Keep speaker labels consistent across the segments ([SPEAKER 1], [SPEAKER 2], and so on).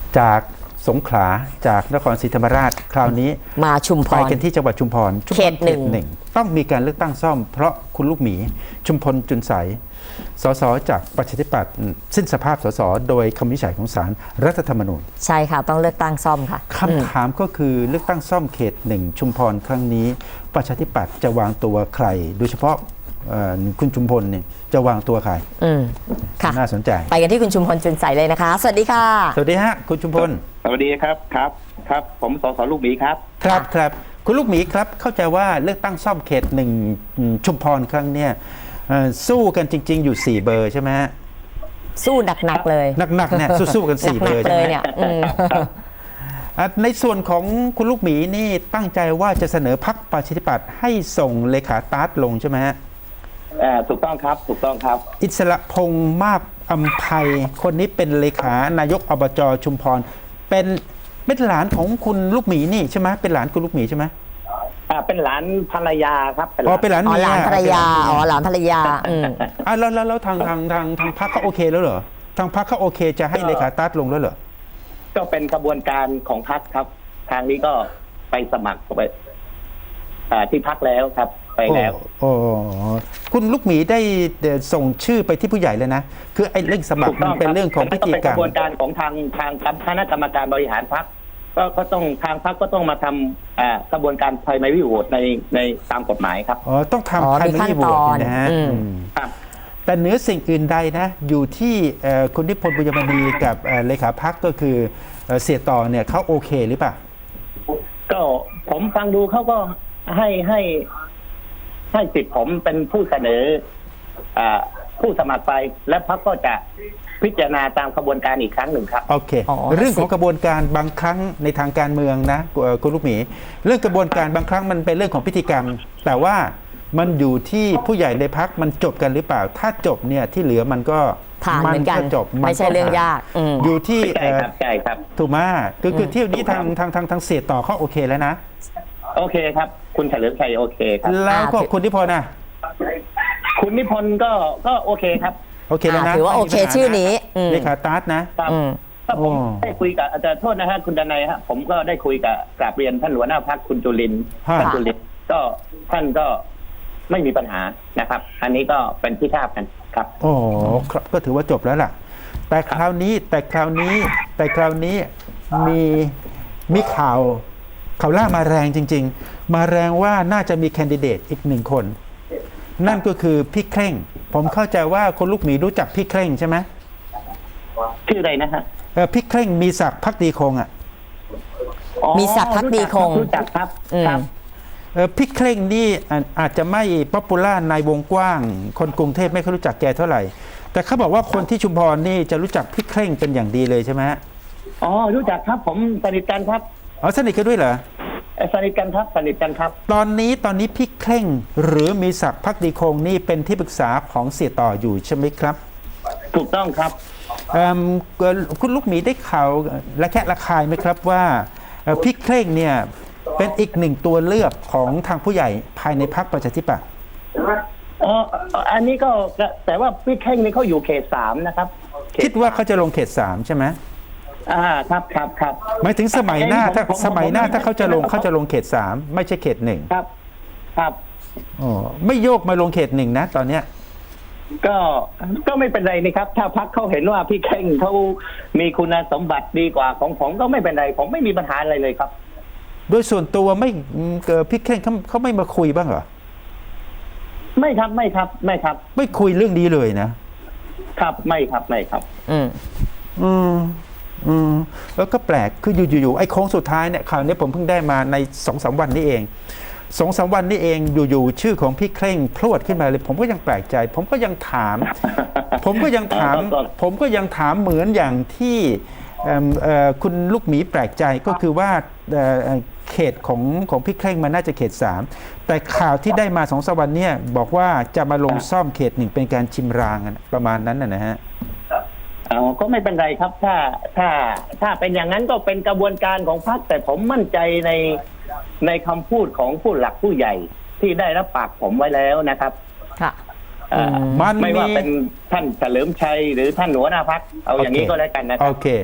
[SPEAKER 1] จากสงขลาจากนครศรีธรรมราชคราวนี้
[SPEAKER 2] มาชุมพ
[SPEAKER 1] ไป
[SPEAKER 2] ร
[SPEAKER 1] กันที่จังหวัดชุมพร
[SPEAKER 2] เขตหนึ่ง
[SPEAKER 1] ต้องมีการเลือกตั้งซ่อมเพราะคุณลูกหมีชุมพลจุนใสสสจากประชาธิปัตย์สิ้นสภาพสสโดยคำวินิจฉัยของศาลรัฐธรรมนูญ
[SPEAKER 2] ใช่ค่ะต้องเลือกตั้งซ่อมค่ะ
[SPEAKER 1] คำถามก็คือเลือกตั้งซ่อมเขตหนึ่งชุมพรครั้งนี้ประชาธิปัตย์จะวางตัวใครโดยเฉพาะคุณชุมพลเนี่ยจะวางตัวใคร
[SPEAKER 2] ค่ะ
[SPEAKER 1] น่าสนใจ
[SPEAKER 2] ไปกันที่คุณชุมพลจุนใสเลยนะคะ สวัสดีค่ะ
[SPEAKER 1] สวัสดีฮะคุณชุมพล
[SPEAKER 3] สวัสดีครับครับผมสสลูกหมีครับ
[SPEAKER 1] ครับคุณลูกหมีครับเข้าใจว่าเลือกตั้งซ่อมเขตหนึ่งชุมพรครั้งเนี้ยสู้กันจริงๆอยู่4เบอร์ใช่ไหมฮะ
[SPEAKER 2] สู้หนักๆเลย
[SPEAKER 1] หนักๆเนี่ยสู้กัน4เบอร์ใช่ไหม
[SPEAKER 2] เนี่ย
[SPEAKER 1] ในส่วนของคุณลูกหมีนี่ตั้งใจว่าจะเสนอพรรคประชาธิปัตย์ให้ส่งเลขาตาร์ทลงใช่ไหมฮะ
[SPEAKER 3] ถูกต้องครับ
[SPEAKER 1] อิสระพงษ์มาบอำไพคนนี้เป็นเลขานายกอบจชุมพรเป็นหลานของคุณลูกหมีนี่ใช่ไหมเป็นหลานคุณลูกหมีใช่ไหม
[SPEAKER 3] เป็นหลานภรรยาครับ
[SPEAKER 1] เป็นหลานเมีย
[SPEAKER 2] หลานภรรยาหลานภรรยา
[SPEAKER 1] แล้วทางพรรคเขาโอเคแล้วเหรอทางพรรคเขาโอเคจะให้เลขาตาร์ทลงแล้วเหรอ
[SPEAKER 3] ก็เป็นกระบวนการของพรรคครับทางนี้ก็ไปสมัครไปที่พรรคแล้วครับไปแล้ว
[SPEAKER 1] คุณลูกหมีได้ส่งชื่อไปที่ผู้ใหญ่เลยนะคือไอ้เรื่องสมัครมันเป็นเรื่องของพิธีกรรม
[SPEAKER 3] กระบวนการของทางคณะกรรมการบริหารพรรคก็ต้องทางพรรคก็ต้องมาทำกระบวนการภายในวิโหวตในตามกฎหมายครับ
[SPEAKER 1] ต้องทำภายในวิโหวตนะฮะแต่เหนือสิ่งอื่นใดนะอยู่ที่คุณนิพนธ์บุญยมณีกับเลขาพรรคก็คือเสียต่อเนี่ยเขาโอเคหรือเปล่า
[SPEAKER 3] ก็ผมฟังดูเขาก็ให้สิทธิ์ผมเป็นผู้เสนอผู้สมัครไปและพรรคก็จะพิจารณาตามกระบวนการอีกครั้งหนึ่งครับ
[SPEAKER 1] โอเคเรื่องของกระบวนการบางครั้งในทางการเมืองนะคุณลูกหมีเรื่องกระบวนการบางครั้งมันเป็นเรื่องของพิธีกรรมแต่ว่ามันอยู่ที่ผู้ใหญ่ในพรรคมันจบกันหรือเปล่าถ้าจบเนี่ยที่เหลือมันก็
[SPEAKER 2] จบไม่ใช่เรื่องยาก
[SPEAKER 1] อยู่ที่
[SPEAKER 3] ใช่ครับ
[SPEAKER 1] ถูกไหมคือเที่ยวนี้ทางเสียต่อเขาโอเคแล้วนะ
[SPEAKER 3] โอเคครับคุณเฉลิมชัยโอเคครับ
[SPEAKER 1] แล้วก็คุณนิพนธ์นะ
[SPEAKER 3] คุณนิพนธ์ก็โอเคครับ
[SPEAKER 1] โอเคแล้วนะ
[SPEAKER 2] ถือว่าโอเคชื่อนี้
[SPEAKER 1] เลขาตาร์ทนะครับ
[SPEAKER 3] ผมได้คุยกับอาจารย์โทษนะฮะคุณดนัยฮะผมก็ได้คุยกับกราบเรียนท่านหัวหน้าพรรคคุณจุลินทร์ก็ท่านก็ไม่มีปัญหานะครับอันนี้ก็เป็นที่ทราบกันครับ
[SPEAKER 1] ครับก็ถือว่าจบแล้วล่ะแต่คราวนี้มีข่าวล่ามาแรงจริงๆมาแรงว่าน่าจะมีแคนดิเดตอีก1 คนนั่นก็คือพี่เคร่งผมเข้าใจว่าคนลูกหมีรู้จักพี่เคร่งใช่ไหม
[SPEAKER 3] ชื่ออะไรนะฮะ
[SPEAKER 1] พี่เคร่งมีศักดิ์ภักดีคง
[SPEAKER 2] มีศักดิ์ภักดีคง
[SPEAKER 3] รู้จักครับ
[SPEAKER 1] พี่เคร่งนี่อาจจะไม่ป๊อปปูล่าในวงกว้างคนกรุงเทพไม่ค่อยรู้จักแกเท่าไหร่แต่เขาบอกว่าคนที่ชุมพรนี่จะรู้จักพี่เคร่งเป็นอย่างดีเลยใช่ไหม
[SPEAKER 3] รู้จักครับผมสนิทกันครับ
[SPEAKER 1] สนิทกันด้วยเหรอ
[SPEAKER 3] สนิทกันครับ
[SPEAKER 1] ตอนนี้พี่เคร่งหรือมีศักดิ์ภักดีคงนี่เป็นที่ปรึกษาของเสียต่ออยู่ใช่ไหมครับ
[SPEAKER 3] ถูกต้องครับ
[SPEAKER 1] คุณลูกหมีได้ข่าวและแค่ระคายไหมครับว่าพี่เคร่งเนี่ยเป็นอีก1 ตัวเลือกของทางผู้ใหญ่ภายในพรรคประชาธิปัตย์
[SPEAKER 3] อันนี้ก็แต่ว่าพี่เคร่งนี่เขาอยู่เขต 3นะครับ
[SPEAKER 1] คิดว่าเขาจะลงเขต 3ใช่ไหม
[SPEAKER 3] ครับ
[SPEAKER 1] หมายถึงสมัยหน้าถ้าเขาจะลงเขต 3ไม่ใช่เขต 1
[SPEAKER 3] ครับ
[SPEAKER 1] ไม่โยกมาลงเขต 1นะตอนเนี้ย
[SPEAKER 3] ก็ไม่เป็นไรนี่ครับถ้าพรรคเขาเห็นว่าพี่เคร่งเขามีคุณสมบัติดีกว่าของผมก็ไม่เป็นไรผมไม่มีปัญหาอะไรเลยครับ
[SPEAKER 1] โดยส่วนตัวพี่เคร่งเขาไม่มาคุยบ้างเหรอ
[SPEAKER 3] ไม่ครับ
[SPEAKER 1] ไม่คุยเรื่องนี้เลยนะครับ
[SPEAKER 3] ไม่ครับ
[SPEAKER 1] แล้วก็แปลกคืออยู่ไอ้โค้งสุดท้ายเนี่ยข่าวนี้ผมเพิ่งได้มาใน2-3 วันนี้เอง2-3 วันนี้เองอยู่ชื่อของพี่เคร่งพรวดขึ้นมาเลยผมก็ยังแปลกใจผมก็ยังถามเหมือนอย่างที่คุณลูกหมีแปลกใจก็คือว่าเขตของพี่เคร่งมันน่าจะเขต 3แต่ข่าวที่ได้มา2-3 วันเนี่ยบอกว่าจะมาลงซ่อมเขต 1เป็นการชิมรางประมาณนั้นนะฮะ
[SPEAKER 3] ก็ไม่เป็นไรครับถ้าเป็นอย่างนั้นก็เป็นกระบวนการของพรรคแต่ผมมั่นใจในคำพูดของผู้หลักผู้ใหญ่ที่ได้รับปากผมไว้แล้วนะครับ
[SPEAKER 2] ค่ะ
[SPEAKER 3] ไม่ว่าเป็นท่านเฉลิมชัยหรือท่านหัวหน้าพรรคเอาอย่างนี้ก็แล้วกันนะครับ
[SPEAKER 1] โอเค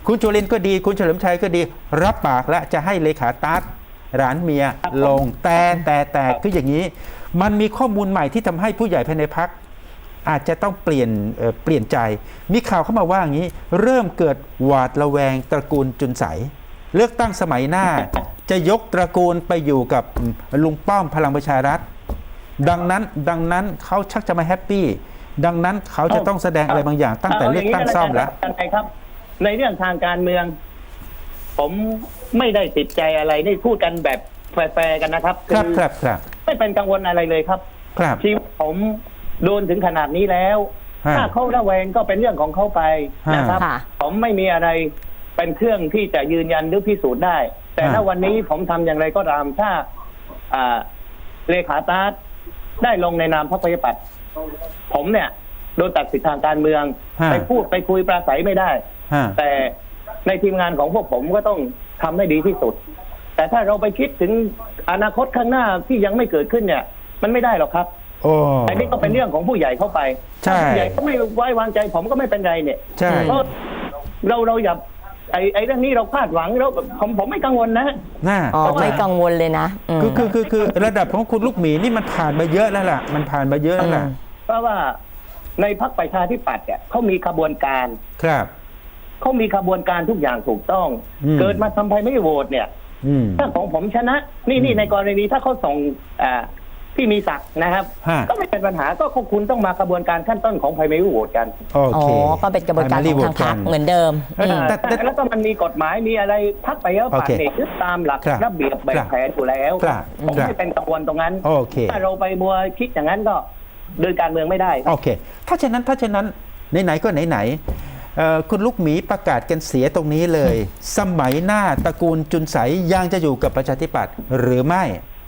[SPEAKER 1] คุณจุรินทร์ก็ดีคุณเฉลิมชัยก็ดี รับปากแล้วจะให้เลขาตั๊ดหลานเมียลงแต่คืออย่างนี้ มันมีข้อมูลใหม่ที่ทำให้ผู้ใหญ่ภายในพรรคอาจจะต้องเปลี่ยนใจ มีข่าวเข้ามาว่าอย่างนี้ เริ่มเกิดหวาดระแวงตระกูลจุนใสเลือกตั้งสมัยหน้า จะยกตระกูลไปอยู่กับลุงป้อมพลังประชารัฐดังนั้นเขาชักจะมาแฮปปี้ดังนั้นเขาจะต้องแสดงอะไรบางอย่างตั้งแต่เลือกตั้งซ่อมแล้ว
[SPEAKER 3] ครับ ในเรื่องทางการเมือง ผมไม่ได้ติดใจอะไรได้พูดกันแบบแฟร์ๆกันนะครับ
[SPEAKER 1] ครับ
[SPEAKER 3] ไม่เป็นกังวลอะไรเลยครับ
[SPEAKER 1] ครับ
[SPEAKER 3] ชีวิตผมโดนถึงขนาดนี้แล้ว
[SPEAKER 1] ฮะ
[SPEAKER 3] ถ้าเขาระแวงก็เป็นเรื่องของเขาไปนะครับ
[SPEAKER 2] ค่ะ
[SPEAKER 3] ผมไม่มีอะไรเป็นเครื่องที่จะยืนยันหรือพิสูจน์ได้ แต่ถ้าวันนี้ผมทำอย่างไรก็ตามถ้าเลขาตาร์ได้ลงในนามพรรคประชาธิปัตย์ผมเนี่ยโดนตัดสิทธิทางการเมือง
[SPEAKER 1] ฮะ
[SPEAKER 3] ไปพูดไปคุยปราศัยไม่ได้
[SPEAKER 1] ฮะ
[SPEAKER 3] แต่ในทีมงานของพวกผมก็ต้องทำให้ดีที่สุด แต่ถ้าเราไปคิดถึงอนาคตข้างหน้าที่ยังไม่เกิดขึ้นเนี่ย มันไม่ได้หรอกครับ
[SPEAKER 1] โอ้
[SPEAKER 3] อันนี้ก็เป็นเรื่องของผู้ใหญ่เข้าไป
[SPEAKER 1] ใช่
[SPEAKER 3] ถ้าผู้ใหญ่ก็ไม่ไว้วางใจผมก็ไม่เป็นไรเนี่ย
[SPEAKER 1] ใช่
[SPEAKER 3] เพราะเราอย่าไอ้เรื่องนี้เราคาดหวังแล้วผมไม่กังวลนะ
[SPEAKER 1] น่า
[SPEAKER 2] อ๋อไม่กังวลเลยนะม
[SPEAKER 1] คือระดับของคุณลูกหมีนี่มันผ่านมาเยอะแล้วล่ะมันผ่านมาเยอะแล้วล่ะ
[SPEAKER 3] เพราะว่าในพรรคประชาธิปัตย์เนี่ยเขามีขบวนการ
[SPEAKER 1] ครับ
[SPEAKER 3] เขามีขบวนการทุกอย่างถูกต้อง
[SPEAKER 1] อืม
[SPEAKER 3] เกิดมาทำไมไม่โหวตเนี่ย
[SPEAKER 1] อืม
[SPEAKER 3] ถ้าของผมชนะ นี่ในกรณีถ้าเขาส่งพี่มีศักดิ์นะครับ
[SPEAKER 1] ฮะ
[SPEAKER 3] ก็ไม่เป็นปัญหาก็คุณต้องมากระบวนการขั้นต้นของไพรเมรี่โหวตกัน
[SPEAKER 1] โอ
[SPEAKER 2] อ๋อ
[SPEAKER 1] เค
[SPEAKER 2] ก็เป็นกระบวนการของทางพรรคเหมือนเดิม
[SPEAKER 3] แล้วก็มันมีกฎหมายมีอะไรพักไปแล้วผ่าน
[SPEAKER 1] โอเค
[SPEAKER 3] เนี่ยยึดตามหลัก
[SPEAKER 1] ครับ
[SPEAKER 3] ระเบียบแบบแผนอยู่แล้ว
[SPEAKER 1] ครับ
[SPEAKER 3] ผม
[SPEAKER 1] ครับ
[SPEAKER 3] ไม่เป็นกังวลตรงนั้น
[SPEAKER 1] โอเค
[SPEAKER 3] ถ้าเราไปมัวคิดอย่างนั้นก็เดินการเมืองไม่ได้
[SPEAKER 1] โอเค ถ้าฉะนั้นไหนๆก็ไหนๆคุณลูกหมีประกาศกันเสียตรงนี้เลย สมัยหน้าตระกูลจุนใสยังจะอยู่กับประชาธิปัตย์หรือไม่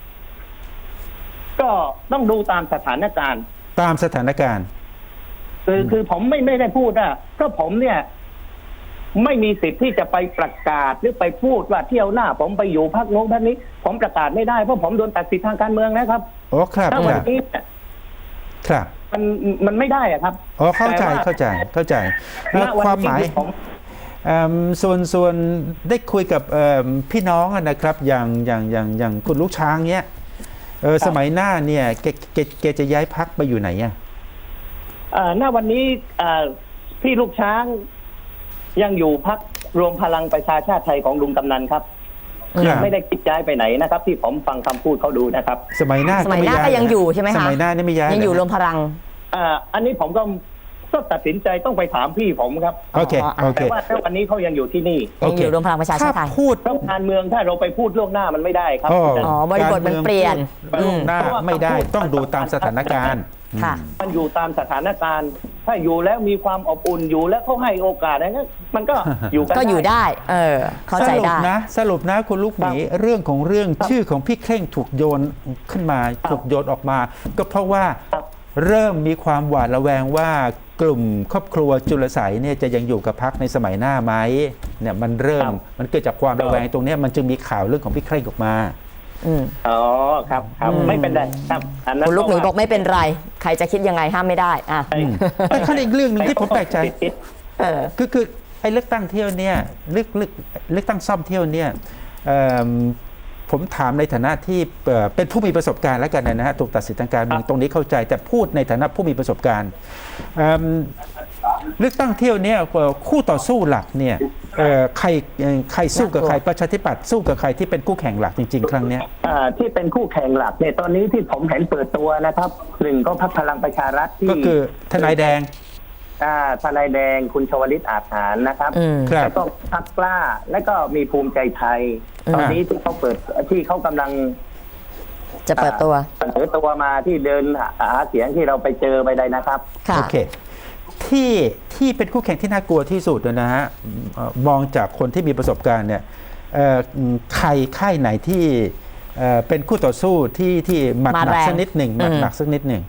[SPEAKER 3] ก็ต้องดูตามสถานการณ์
[SPEAKER 1] ตามสถานการณ์
[SPEAKER 3] คือผมไม่ได้พูดอะเพราะผมเนี่ย ไม่มีสิทธิ์ที่จะไปประกาศหรือไปพูดว่าเที่ยวหน้า ผมไปอยู่พรรคโน้นพรรคนี้ ผมประกาศไม่ได้เพราะผมโดนตัดสิทธิทางการเมืองนะครับ
[SPEAKER 1] โอ้ครับ
[SPEAKER 3] ถ้า
[SPEAKER 1] ค
[SPEAKER 3] วัน
[SPEAKER 1] รับ
[SPEAKER 3] นี้เนี่ย
[SPEAKER 1] ครับ
[SPEAKER 3] มันไม่ได้อะครับ
[SPEAKER 1] อ๋อเข้าใจ
[SPEAKER 3] แต่ว่
[SPEAKER 1] เข้าใจ
[SPEAKER 3] ณวัน
[SPEAKER 1] ความห
[SPEAKER 3] นี้
[SPEAKER 1] มาย
[SPEAKER 3] ผม
[SPEAKER 1] ส่วนได้คุยกับพี่น้องนะครับอย่างคุณลูกช้างเนี้ยสมัยหน้าเนี่ยแกจะย้ายพักไปอยู่ไหนอ่ะ
[SPEAKER 3] ณวันนี้พี่ลูกช้างยังอยู่พรรครวมพลังประชาชาติไทยของลุงกำนันครับ
[SPEAKER 1] ครับ
[SPEAKER 3] ไม่ได้คิดย้ายไปไหนนะครับ ที่ผมฟังคำพูดเขาดูนะครับ
[SPEAKER 1] สมัยหน้า
[SPEAKER 2] สมัยหน้าก็ยังอยู่ใช่ไหมคะ
[SPEAKER 1] สมัยหน้านี่ไม่ย้าย
[SPEAKER 2] ยังอยู่
[SPEAKER 1] เห
[SPEAKER 2] ร
[SPEAKER 1] ร
[SPEAKER 2] วมพลัง
[SPEAKER 3] อันนี้ผมก็ตัดสินใจต้องไปถามพี่ผมครับ
[SPEAKER 1] โอเคโอเค
[SPEAKER 3] แต่ว่าถ้าวันนี้เขายังอยู่ที่นี่
[SPEAKER 2] ยังอยู่รวมพลังประชาชาติไทย
[SPEAKER 1] ถ้าพูด
[SPEAKER 3] เพราะการเมืองถ้าเราไปพูดล่วงหน้ามันไม่ได้ครับ
[SPEAKER 2] อ๋อบริบทมันเปลี่ยน
[SPEAKER 1] การเมืองพูดล่วงหน้าไม่ได้ต้องดูตามสถานการณ์
[SPEAKER 2] ค่ะ
[SPEAKER 3] มันอยู่ตามสถานการณ์ ถ้าอยู่แล้วมีความอบอุ่นอยู่แล้วเขาให้โอกาสอะไรเงี้ยมันก็อยู่กัน
[SPEAKER 2] ก็อยู่ได้ เข้าใจได้
[SPEAKER 1] สรุปนะคุณลูกหมีเรื่องของเรื่องชื่อของพี่เคร่งถูกโยนขึ้นมาถูกโยนออกมา ก็เพราะว่า
[SPEAKER 3] ครับ
[SPEAKER 1] เริ่มมีความหวาดระแวงว่ากลุ่มครอบครัวจุลไสเนี่ยจะยังอยู่กับพรรคในสมัยหน้าไหมเนี่ยมันเริ่มมันเกิดจากความระแวงตรงเนี้ยมันจึงมีข่าวเรื่องของพี่เคร่งออกมา
[SPEAKER 3] อ๋อครับไม่เป็นไรครับอันนั้น
[SPEAKER 2] คุณลูกหมีบอกไม่เป็นไร ใครจะคิดยังไงห้ามไม่ได้อ่ะ
[SPEAKER 1] แต่ขั้นอีกเรื่องหนึงที่ผมแปลกใจ
[SPEAKER 2] เออ
[SPEAKER 1] คือไอ้เลือกตั้งเที่ยวเนี่ยเลือกตั้งซ่อมเที่ยวเนี่ยผมถามในฐานะที่เป็นผู้มีประสบการณ์แล้วกันนะฮะถูกตัดสิทธิทางการเมืองตรงนี้เข้าใจ แต่พูดในฐานะผู้มีประสบการณ์เลือกตั้งเที่ยวเนี่ยคู่ต่อสู้หลักเนี่ยใครสู้กับใครประชาธิปัตย์สู้กับใครที่เป็นคู่แข่งหลักจริงๆ ครั้งเนี้ย
[SPEAKER 3] ที่เป็นคู่แข่งหลักเนี่ยตอนนี้ที่ผมเห็นเปิดตัวนะครับหนึ่งก็พรรคพลังประชารัฐที่
[SPEAKER 1] ก็คือทนายแดง
[SPEAKER 3] ทนายแดงคุณชวลิตอาจหารนะครับ
[SPEAKER 1] ครับ
[SPEAKER 3] แล้วก็พรรคกล้าและก็มีภูมิใจไทย ตอนนี้ที่เขาที่เขากำลัง
[SPEAKER 2] จะเปิดตัว
[SPEAKER 3] เสนอตัวมาที่เดินหาเสียงที่เราไปเจอไปได้นะครับ
[SPEAKER 2] ค่ะ
[SPEAKER 1] โอเคที่เป็นคู่แข่งที่น่ากลัวที่สุดนะฮะมองจากคนที่มีประสบการณ์เนี่ยค่ายไหนที่เป็นคู่ต่อสู้ที่หมัดหนักสักนิดหนึ่งหมัดหนักสักนิดหนึ่ง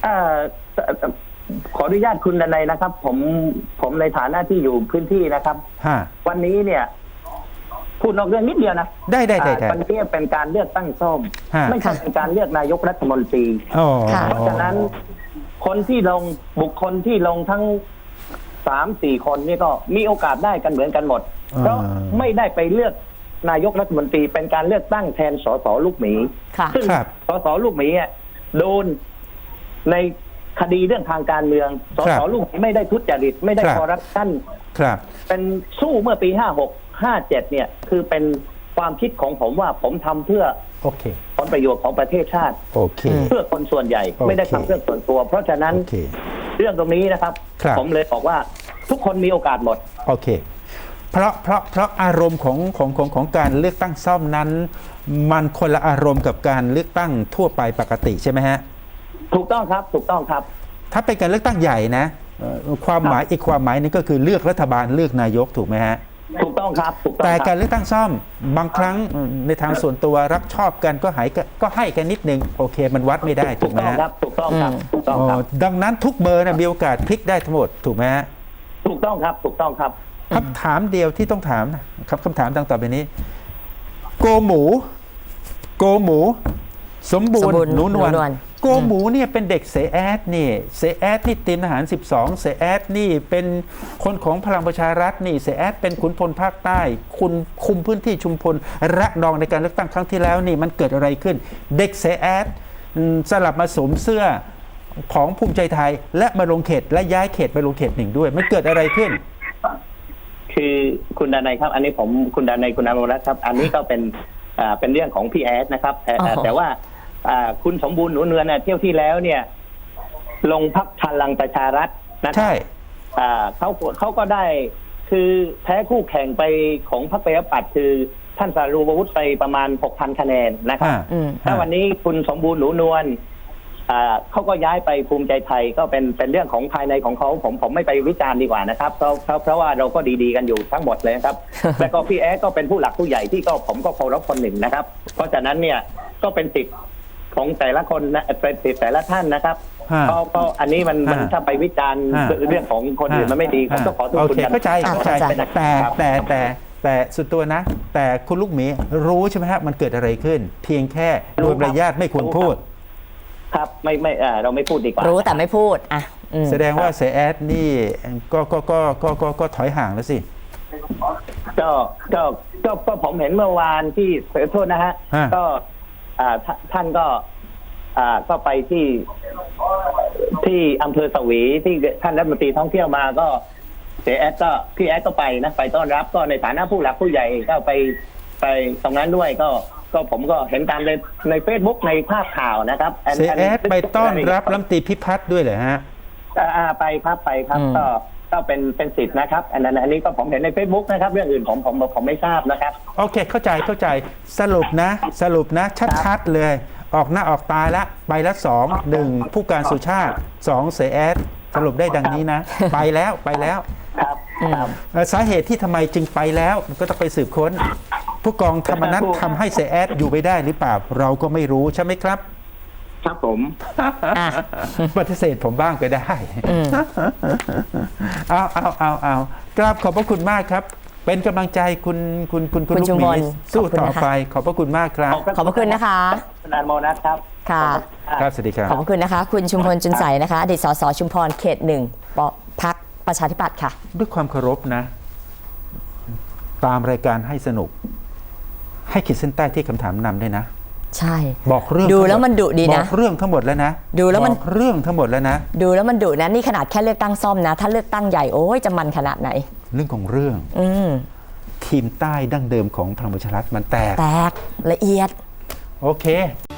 [SPEAKER 3] ขออนุญาตคุณดนัยนะครับ ผมในฐานะที่อยู่พื้นที่นะครับ
[SPEAKER 1] ฮะ
[SPEAKER 3] วันนี้เนี่ยพูดนอกเรื่องนิดเดียวนะ
[SPEAKER 1] ได้
[SPEAKER 3] วันนี้เป็นการเลือกตั้งซ่อม
[SPEAKER 1] ฮะ
[SPEAKER 3] ไม่ใช่เป็นการเลือกนายกรัฐมนตรี
[SPEAKER 1] อ๋อ
[SPEAKER 2] ค่ะ
[SPEAKER 3] เพราะฉะนั้นคนที่ลงบุคคลที่ลงทั้ง3-4 คนนี่ก็มีโอกาสได้กันเหมือนกันหมดเพราะไม่ได้ไปเลือกนายกรัฐมนตรีเป็นการเลือกตั้งแทนสสลูกหมี
[SPEAKER 2] ค่ะ
[SPEAKER 3] ซึ่ง
[SPEAKER 1] ครับ
[SPEAKER 3] สสลูกหมีอ่ะโดนในคดีเรื่องทางการเมืองส
[SPEAKER 1] ครั
[SPEAKER 3] ส
[SPEAKER 1] บ
[SPEAKER 3] ลูกหมีไม่ได้ทุจริตไม่ได้
[SPEAKER 1] ครับ
[SPEAKER 3] คอร์รัปชัน
[SPEAKER 1] ครับ
[SPEAKER 3] เป็นสู้เมื่อปี 56 57 เนี่ย คือเป็นความคิดของผมว่าผมทำเพื่อ
[SPEAKER 1] โอเค
[SPEAKER 3] ผลประโยชน์ของประเทศชาติ
[SPEAKER 1] โอเค
[SPEAKER 3] เพื่อคนส่วนใหญ่
[SPEAKER 1] โอเค
[SPEAKER 3] ไม่ได้ทำเพื่อส่วนตัว เพราะฉะนั้น
[SPEAKER 1] โอเค
[SPEAKER 3] เรื่องตรงนี้นะครับ
[SPEAKER 1] ครับ
[SPEAKER 3] ผมเลยบอกว่าทุกคนมีโอกาสหมด
[SPEAKER 1] โอเค เพราะอารมณ์ของการเลือกตั้งซ่อมนั้น มันคนละอารมณ์กับการเลือกตั้งทั่วไปปกติใช่ไหมฮะ
[SPEAKER 3] ถูกต้องครับ ถูกต้องครับ
[SPEAKER 1] ถ้าเป็นการเลือกตั้งใหญ่นะความหมายอีกความหมายหนึงก็คือเลือกรัฐบาลเลือกนายกถูกไหมฮะ
[SPEAKER 3] ถูกต้องครับ ถูกต้อง
[SPEAKER 1] แต่
[SPEAKER 3] ค
[SPEAKER 1] กา
[SPEAKER 3] รั
[SPEAKER 1] ร
[SPEAKER 3] บ
[SPEAKER 1] เลือกตั้งซ่อมบางครั้งในทางส่วนตัวรักชอบกันก็ให้กันนิดนึงโอเค มันวัดไม่ได้ถู
[SPEAKER 3] ถู
[SPEAKER 1] ก
[SPEAKER 3] ก
[SPEAKER 1] ไหม
[SPEAKER 3] ต้อง
[SPEAKER 1] ฮะ
[SPEAKER 3] ครับ ถูกต้องครับ ถูกต้องครับ
[SPEAKER 1] ดังนั้นทุกเบอร์นะมีโอกาสพลิกได้ทั้งหมดถูกไหมฮะ
[SPEAKER 3] ถูกต้องครับ ถูกต้องครับ
[SPEAKER 1] คำถามเดียวที่ต้องถามนะครับคำถามดังต่อไปนี้ โกหมู สมบูร
[SPEAKER 2] สมบูรณ์
[SPEAKER 1] ณ์หนูนวล
[SPEAKER 2] หนูนวล
[SPEAKER 1] โกหมูเนี่ยเป็นเด็กเสแอดนี่เสแอดนี่เตรียมทหาร 12 เสแอดนี่เป็นคนของพลังประชารัฐนี่เสแอดเป็นขุนพลภาคใต้คุณคุมพื้นที่ชุมพลระนองในการเลือกตั้งครั้งที่แล้วนี่มันเกิดอะไรขึ้น เด็กเสแอดสลับมาสวมเสื้อของภูมิใจไทย และมาลงเขตและย้ายเขตไปลงเขตหนึ่งด้วยมันเกิดอะไรขึ้น
[SPEAKER 3] คือคุณดนัยครับ อันนี้ผมคุณดนัยคุณอมรรัตน์ครับ อันนี้ก็เป็นเรื่องของพี่แอดนะครับแต่ว่าคุณสมบูรณ์หนูเนือนเที่ยวที่แล้วเนี่ย ลงพักพลังประชารัฐนะครั
[SPEAKER 1] ใช่
[SPEAKER 3] เขาก็ได้คือแพ้คู่แข่งไปของพรรคประชาธิปัตย์คือท่านสารูปวุฒิไปประมาณ 6,000 คะแนนนะครับ
[SPEAKER 2] อืม
[SPEAKER 3] ถ้าวันนี้คุณสมบูรณ์หนูนวลเขาก็ย้ายไปภูมิใจไทยก็เป็นเรื่องของภายในของเขาผมไม่ไปวิจารณ์ดีกว่านะครับเพราะว่าเราก็ดีๆกันอยู่ทั้งหมดเลยครับ แล้วก็พี่แอดก็เป็นผู้หลักผู้ใหญ่ที่ผมก็เคารพคนหนึ่งนะครับ เพราะฉะนั้นเนี่ยก็เป็นสิทธิ์ของแต่ละคนนะเป็นสิทธิ์แต่ละท่านนะครับ
[SPEAKER 1] ฮะ
[SPEAKER 3] ก็อันนี้มัน
[SPEAKER 1] ฮะ
[SPEAKER 3] ถ้าไปวิจารณ์
[SPEAKER 1] ฮะ
[SPEAKER 3] เรื่องของคนอื่นมันไม่ดีผมก็ขอโทษ
[SPEAKER 1] โอ
[SPEAKER 3] คุณ
[SPEAKER 1] เค
[SPEAKER 3] กัน
[SPEAKER 1] เข้าใจ
[SPEAKER 3] ครับ
[SPEAKER 1] แต่สุดตัวนะ แต่คุณลูกหมีรู้ใช่ไหมฮะมันเกิดอะไรขึ้น เพียงแค่โดยมารยาทไม่ควรพูด
[SPEAKER 3] ครับไม่เราไม่พูดดีกว่า
[SPEAKER 2] รู้แต่ไม่พูดอ่ะอืม
[SPEAKER 1] แสดงว่าเสแอดนี่ก็ถอยห่างแล้วสิ
[SPEAKER 3] ก็ผมเห็นเมื่อวานที่ขอโทษนะฮะ
[SPEAKER 1] ฮะ
[SPEAKER 3] ก็ท่านก็ไปที่อำเภอสวีที่ท่านรัฐมนตรีท่องเที่ยวมาก็พี่แอดก็ไปนะไปต้อนรับก็ในฐานะผู้หลักผู้ใหญ่ก็ไปตรงนั้นด้วยก็ผมก็เห็นตามใน Facebook ในภาพข่าวนะครับ
[SPEAKER 1] เสแอดไปต้อนรับรัฐมนตรีพิพัฒน์ด้วยเหรอฮะ
[SPEAKER 3] ไปครับก็เป็นสิทธิ์นะครับอันนี้ก็ผมเห็นใน Facebook นะครับเรื่องอื่นผมไม่ทราบนะครับ
[SPEAKER 1] โอเคเข้าใจสรุปนะชัดๆเลย ออกหน้าออกตาละไปละ1ผู้การสุชาติ2เสแอดสรุปได้ดังนี้นะ ไปแล้ว
[SPEAKER 3] ครับครับ
[SPEAKER 1] สาเหตุที่ทำไมจึงไปแล้วก็ต้องไปสืบค้น ผู้กองธรรมนัฐทำให้เสแอดอยู่ไม่ได้หรือเปล่า เราก็ไม่รู้ใช่ไหมครับ
[SPEAKER 3] ครับผม
[SPEAKER 2] อ่ะ
[SPEAKER 1] ปฏิเสธผมบ้างก็ได้
[SPEAKER 2] อืม
[SPEAKER 1] เอากราบขอบพระคุณมากครับ เป็นกำลังใจคุณ
[SPEAKER 2] คุณ
[SPEAKER 1] ลูก
[SPEAKER 2] ชุม
[SPEAKER 1] ห
[SPEAKER 2] พ
[SPEAKER 1] มี
[SPEAKER 2] ล
[SPEAKER 1] สู้
[SPEAKER 2] ขอบคุณ
[SPEAKER 1] ต่อ
[SPEAKER 2] นะคะ
[SPEAKER 1] ไป ขอบพระคุณมากครับ
[SPEAKER 2] ขอบพระคุณนะคะ
[SPEAKER 3] คุณอานโมนัสครับ
[SPEAKER 2] ค่ะ
[SPEAKER 1] ครับสวัสดีครับ
[SPEAKER 2] ขอบพระคุณนะคะ คุณชุมพลจุนใสนะคะอดีตสสชุมพรเขต 1พรรคประชาธิปัตย์ค่ะ
[SPEAKER 1] ด้วยความเคารพนะ ตามรายการให้สนุก ให้ขีดเส้นใต้ที่คำถามนำด้วยนะ
[SPEAKER 2] ใช่
[SPEAKER 1] บอกเรื่อง
[SPEAKER 2] ดู
[SPEAKER 1] ทั้งหด
[SPEAKER 2] แล้วมันดุดีนะ
[SPEAKER 1] บอกเรื่องทั้งหมดแล้วนะ
[SPEAKER 2] ดูแล้วมัน
[SPEAKER 1] บอกเรื่องทั้งหมดแล้วนะ
[SPEAKER 2] ดูแล้วมันดุนะนี่ขนาดแค่เลือกตั้งซ่อมนะ ถ้าเลือกตั้งใหญ่โอ้ยจะมันขนาดไหน
[SPEAKER 1] เรื่องของเรื่อง
[SPEAKER 2] อืม
[SPEAKER 1] ทีมใต้ดั้งเดิมของพลังประชารัฐมันแตก
[SPEAKER 2] แตกละเอียด
[SPEAKER 1] โอเค